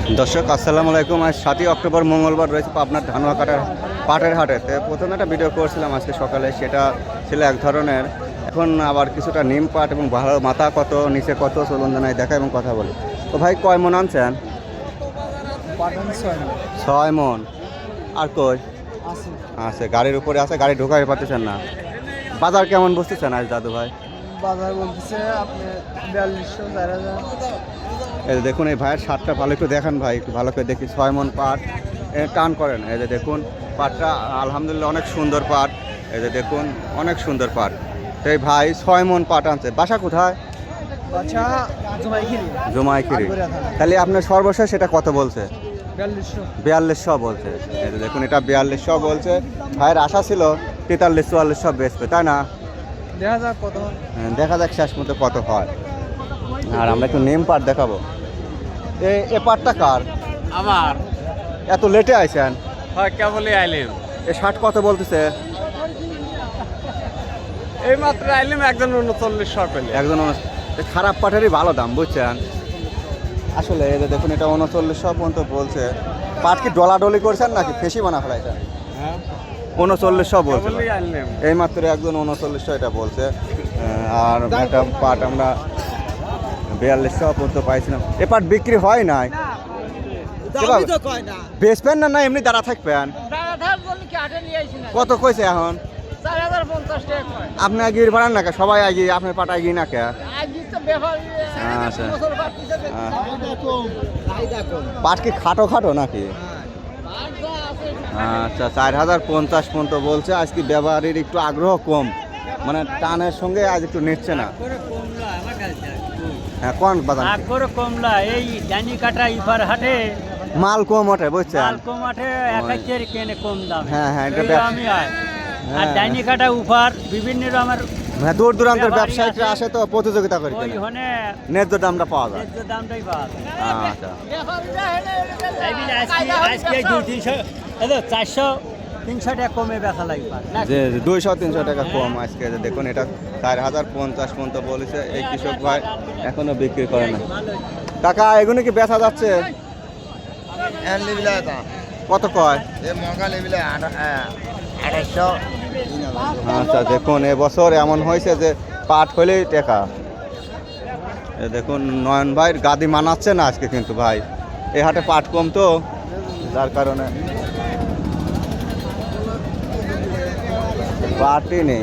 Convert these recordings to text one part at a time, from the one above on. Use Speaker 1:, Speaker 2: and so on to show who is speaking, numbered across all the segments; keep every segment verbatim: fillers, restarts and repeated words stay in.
Speaker 1: দর্শক আসসালামু আলাইকুম। আজ সাতই অক্টোবর মঙ্গলবার রয়েছে পাবনার ধানুয়াকাটার পাটের হাটে। তো প্রথমে একটা ভিডিও করছিলাম আজকে সকালে, সেটা ছিল এক ধরনের। এখন আবার কিছুটা নিম পাট এবং ভালো মাথা কত নিচে কত চলুন জানাই দেখা এবং কথা বলি। তো ভাই কয় মন আনছেন? ছয় মন। আর কই আছে গাড়ির উপরে আছে, গাড়ি ঢোকাই পাচ্ছেন না। বাজার কেমন বুঝতেছেন আজ দাদু ভাই?
Speaker 2: বাজার বলতেছে আপনি বিয়াল্লিশশো চার হাজার।
Speaker 1: এই যে দেখুন এই ভাইয়ের শার্টটা ভালো একটু দেখান ভাই, একটু ভালো করে দেখি। ছয় মন পাট এ টান করেন। এই যে দেখুন পাটটা আলহামদুলিল্লাহ অনেক সুন্দর পাট। এই যে দেখুন অনেক সুন্দর পাট। তো এই ভাই ছয় মন পাট আনছে। বাসা কোথায়?
Speaker 2: বাচ্চা জমাইখিরি।
Speaker 1: জমাইখিরি। তাহলে আপনার সর্বশেষ সেটা কত বলছে?
Speaker 2: বিয়াল্লিশশো।
Speaker 1: বিয়াল্লিশশো বলছে। এই যে দেখুন এটা বিয়াল্লিশশো বলছে। ভাইয়ের আশা ছিল তেতাল্লিশ চুয়াল্লিশশো বেচবে, তাই না?
Speaker 2: দেখা যাক কত হয়।
Speaker 1: হ্যাঁ, দেখা যাক শেষ মতো কত হয়। আর আমরা একটু নেম পাট দেখাবো। এ এ পাটটা কার?
Speaker 3: আমার
Speaker 1: এত লেটে আইছেন?
Speaker 3: হয় কেবলই আইলেম,
Speaker 1: এ শার্ট কত বলতেছে?
Speaker 3: এই মাত্র আইলেম একজন উনচল্লিশ শট পেলে।
Speaker 1: একজন উনচ- এ খারাপ পাটেরই ভালো দাম বুঝছেন। আসলে এই যে দেখুন এটা উনচল্লিশশো পর্যন্ত বলছে। পাট কি ডলাডলি করছেন নাকি ফেসি বানা ফেলাইছেন?
Speaker 3: হ্যাঁ
Speaker 1: উনচল্লিশশো বলছে।
Speaker 3: কেবলই আইলেম।
Speaker 1: এই মাত্র একজন উনচল্লিশশো এটা বলছে। আহ, আর একটা পাট আমরা বিয়াল্লিশশো পর্যন্ত পাইছিলাম। এ পাট বিক্রি হয় নাই। বেচবেন না না এমনি দাঁড়া থাকবেন? কত কইছে এখন? আপনি আগিয়ে পারেন না কে? সবাই আগিয়ে আপনার পাট আগিয়ে না কে? আচ্ছা পাট কি খাটো খাটো নাকি? আচ্ছা চার হাজার পঞ্চাশ পর্যন্ত বলছে। আজকে ব্যবহারের একটু আগ্রহ কম, মানে টানের সঙ্গে আজ একটু নিচ্ছে না। হ্যাঁ কোন বাজার
Speaker 4: আকবর কমলা এই ডানি কাটা ইফার হাটে
Speaker 1: মাল কম ওঠে বুঝছেন।
Speaker 4: মালকো মাঠে একাচ্ছের কেনে কম দাম।
Speaker 1: হ্যাঁ, হ্যাঁ, এটা
Speaker 4: এই
Speaker 1: ব্যবসা-
Speaker 4: আমি আয়। আর
Speaker 1: হ্যাঁ।
Speaker 4: ডাইনি কাটা উফার বিভিন্ন আমার
Speaker 1: হ্যাঁ দূর দূরান্তের
Speaker 4: ব্যাপারী
Speaker 1: ব্যবসায়ীরা
Speaker 4: আছে।
Speaker 1: আসে তো প্রতিযোগিতা করে
Speaker 4: ওই
Speaker 1: কেনে।
Speaker 4: হনে
Speaker 1: ন্যায্য দামটা পাওয়া যায়।
Speaker 4: ন্যায্য দামটাই পাওয়া যায়।
Speaker 1: আচ্ছা
Speaker 4: তাই বলে আজকে আজকে দুই তিনশো এই তো চারশো তিনশো টাকা কমে বেচা লাগবে না।
Speaker 1: যে দুইশো তিনশো টাকা কম আজকে। যে দেখুন এটা চার হাজার পঞ্চাশ পর্যন্ত বলেছে এই কৃষক ভাই, এখনো বিক্রি করে না। টাকা এগুলো কি বেচা যাচ্ছে? কত কয়? আচ্ছা দেখুন এবছর এমন হয়েছে যে পাট হলেই টাকা। এ দেখুন নয়ন ভাইয়ের গাদি মানাচ্ছে না আজকে কিন্তু ভাই, এই হাটে পাট কম তো যার কারণে পাটই নেই।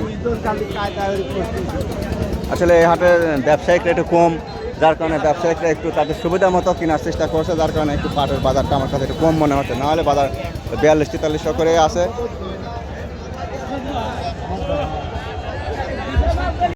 Speaker 1: আসলে এই হাটের ব্যবসায়িকরা একটু কম, যার কারণে ব্যবসায়িকরা একটু তাদের সুবিধা মতো কেনার চেষ্টা করছে, যার কারণে একটু পাটের বাজারটা আমার কাছে একটু কম মনে হচ্ছে। নাহলে বাজার বিয়াল্লিশ তেতাল্লিশশো করে আছে।